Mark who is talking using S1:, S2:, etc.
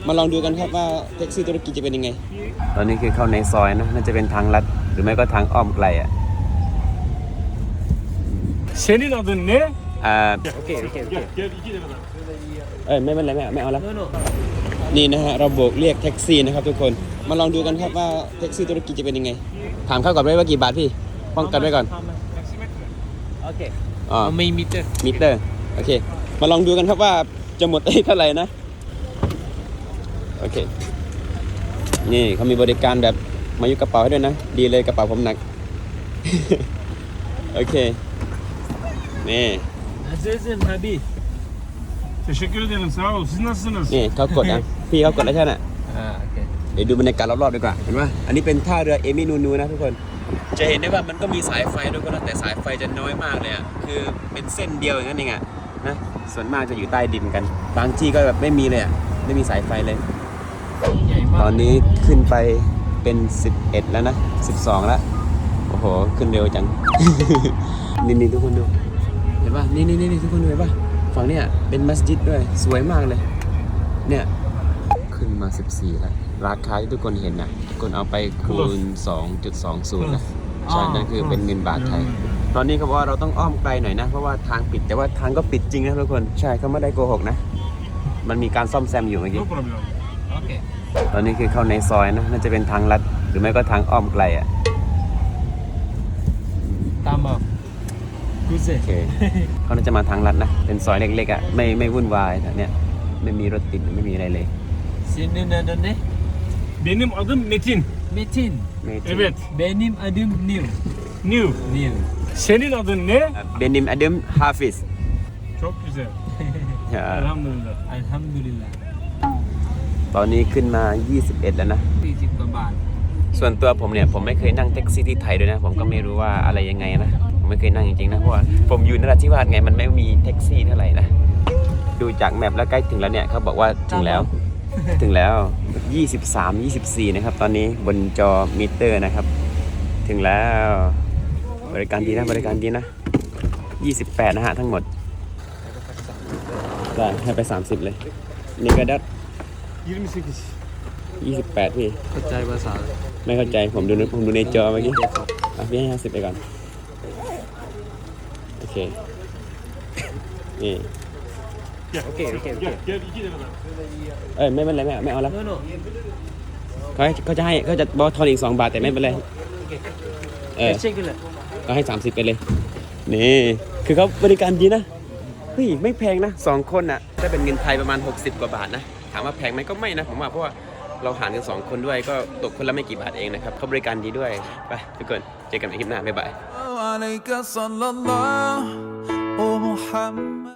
S1: มาลองดูกันครับว่าแท็กซี่ตุรกีจะเป็นยังไงตอนนี้คือเข้าในซอยนะน่าจะเป็นทางลัดหรือไม่ก็ทางอ้อมไกลอ่ะ
S2: Senin adın ne?
S1: โอเค
S2: Gel 2 lira.
S1: ไม่เป็นไรไม่เอาแล้วนี่นะฮะเราโบกเรียกแท็กซี่นะครับทุกคนมาลองดูกันครับว่าแท็กซี่ตุรกีจะเป็นยังไงถามเขาก่อนว่ากี่บาทพี่ป้องกันไว้ก่อนโอเค
S3: ไม่มิเตอร์
S1: โอเคมาลองดูกันครับว่าจะหมดเท่าไหร่นะโอเคนี่เขามีบริการแบบมายุกระเป๋าให้ด้วยนะดีเลยกระเป๋าผมหนัก โอเคนี่
S3: Azizim Habi
S2: Teşekkür ederim sağ ol. Siz nasılsınız?
S1: นี่เขากดนะพี่เขากดแล้วใช่ไหม
S3: โอเค
S1: เดี๋ยวดูบรรยากาศรอบๆดีกว่าเห็นไหมอันนี้เป็นท่าเรือเอมินูนูนะทุกคนจะเห็นได้ว่ามันก็มีสายไฟด้วยก็แต่สายไฟจะน้อยมากเลยอ่ะคือเป็นเส้นเดียวอย่างนั้นเองอ่ะนะส่วนมากจะอยู่ใต้ดินกันบางที่ก็แบบไม่มีเลยอ่ะไม่มีสายไฟเลยตอนนี้ขึ้นไปเป็น11แล้วนะ12แล้วโอ้โหขึ้นเร็วจัง นี่ทุกคนดูเห็นป่ะนี่ทุกคนดูเห็นป่ะฝั่งเนี้ยเป็นมัสยิดด้วยสวยมากเลยเนี่ยขึ้นมา14แล้วราคาที่ทุกคนเห็นนะทุกคนเอาไปคูณ 2.20 นะใช่นั่นคือเป็นเงินบาทไทยตอนนี้เขาบอกว่าเราต้องอ้อมไกลหน่อยนะเพราะว่าทางปิดแต่ว่าทางก็ปิดจริงนะทุกคนใช่เขาไม่ได้โกหกนะมันมีการซ่อมแซมอยู่เมื่อกี้
S2: No problem.
S3: โอเค
S1: ตอนนี้คือเข้าในซอยนะน่าจะเป็นทางลัดหรือไม่ก็ทางอ้อมไกลอ่ะ
S3: ตามบอกกูเสร็จ
S1: โอเคเขาน่าจะมาทางลัดนะเป็นซอยเล็กๆอ่ะไม่วุ่นวายแถวเนี้ยไม่มีรถติดไม่มีอะไรเลย
S3: Senin adın ne?
S2: Benim adım Metin.
S3: Metin.
S2: Evet.
S3: Benim adım Nil.
S2: New. Senin adın ne?
S1: เบนิมอดัมฮาฟิส
S2: Çok güzel. Elhamdülillah.
S3: Elhamdülillah.
S1: ตอนนี้ขึ้นมา21แล้วนะ
S3: 40 กว่าบาท
S1: ส่วนตัวผมเนี่ยผมไม่เคยนั่งแท็กซี่ที่ไทยด้วยนะผมก็ไม่รู้ว่าอะไรยังไงนะผมไม่เคยนั่งจริงๆนะเพราะว่าผมอยู่นราธิวาสไงมันไม่มีแท็กซี่เท่าไหร่นะดูจากแมปแล้วใกล้ถึงแล้วเนี่ยเขาบอกว่าถึงแล้ว ถึงแล้ว23-24นะครับตอนนี้บนจอมิเตอร์นะครับถึงแล้วบริการดีนะ28นะฮะทั้งหมดได้ให้ไป30เลยนี่ก็ได้
S2: 28.
S1: 28พี่
S3: เข้าใจภาษา
S1: ไม่เข้าใจผมดูในจอเมื่อกี้พี่ให้50ไปก่อนโอเคนี่
S2: Gel.
S3: Okey.
S2: Gel 2 lira.
S1: ไม่เป็นไรไม่เอาแล้ว
S3: โน่
S1: เขาจะบอกทอนอีก2 บาทแต่ไม่เป็นไร
S3: Teşekkürler.
S1: ก็ให้30ไปเลยนี่คือเขาบริการดีนะเฮ้ยไม่แพงนะ2 คนน่ะถ้าเป็นเงินไทยประมาณ60 กว่าบาทนะถามว่าแพงไหมก็ไม่นะผมว่าเพราะว่าเราหารกัน2 คนด้วยก็ตกคนละไม่กี่บาทเองนะครับเขาบริการดีด้วยไปทุกคนเจอกันในคลิปหน้าบ๊ายบาย